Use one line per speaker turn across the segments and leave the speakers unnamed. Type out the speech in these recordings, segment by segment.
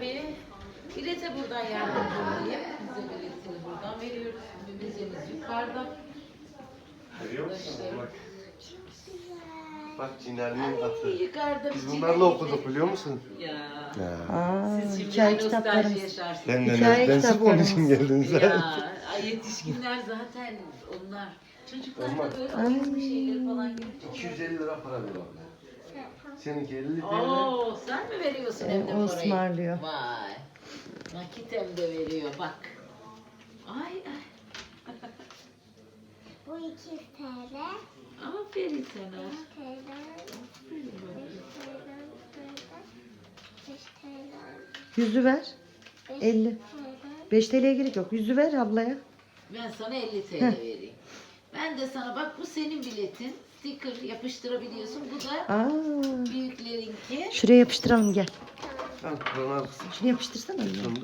tabii. Bilete buradan yardımcı olayım. Bize biletini buradan veriyoruz. Vizemiz yukarıda.
Görüyor musun? Bak. Bak Cinel'in atı.
Yukarıda
Biz
bir
bunlarla okuduk biliyor musun?
Ya. Siz şimdi
Hikaye
nostalji
kitaplarımız.
yaşarsınız.
Sen
Hikaye
de sırf onun için geldin sen.
Ya yetişkinler zaten onlar. Çocuklar da böyle alışmış şeyleri falan görünce.
250 lira para veriyor. Seninki 50 TL.
Oo, sen mi veriyorsun hem de parayı?
ısmarlıyor.
Vay. Nakit hem de veriyor bak. Ay ay.
Bu 200 TL.
Aferin sana.
5 TL.
Yüzü ver. 50. 5 TL'ye gerek yok. Yüzü ver ablaya.
Ben sana 50 TL vereyim. Ben de sana bak bu senin biletin. Sticker yapıştırabiliyorsun. Bu da
Aa.
büyüklerinki.
Şuraya yapıştıralım gel.
Tamam, Kur'an arkası.
Şunu yapıştırsana. anne.
Sonunda.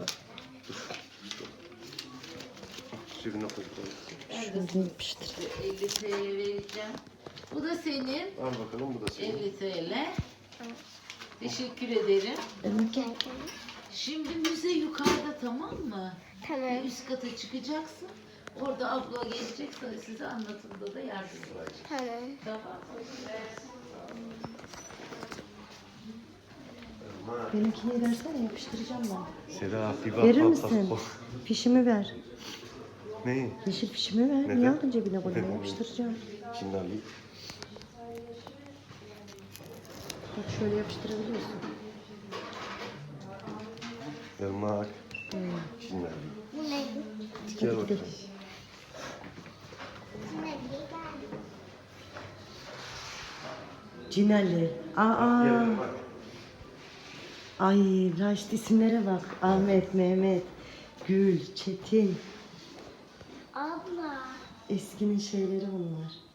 Cebine koy.
Ben de
Şunu yapıştır.
50 TL vereceğim. Bu da senin.
Al bakalım bu da senin.
50 TL. Teşekkür ederim.
Evet, gel.
Şimdi müze yukarıda tamam mı?
Tamam.
Bir üst kata çıkacaksın. Orada abla gelecek size anlatımda da yardımcı olacak.
Tamam.
Tamam.
Benimkini versene yapıştıracağım ben.
Seda bir bak.
Verir
bak,
misin?
bak.
Fişimi ver.
Neyi?
Yeşil fişimi ver.
Neden?
Niye aldın cebine koyma yapıştıracağım.
Şimdi alayım.
Bak şöyle yapıştırabiliyorsun.
Irmak. Şimdi alayım.
Bu ne?
Gel
Hadi
bakalım.
gidelim.
Bu ne?
Cinali. Aa.
Gel Irmak.
Ay Raşit isimlere bak. Ahmet, Mehmet, Gül, Çetin.
Abla.
Eskinin şeyleri bunlar.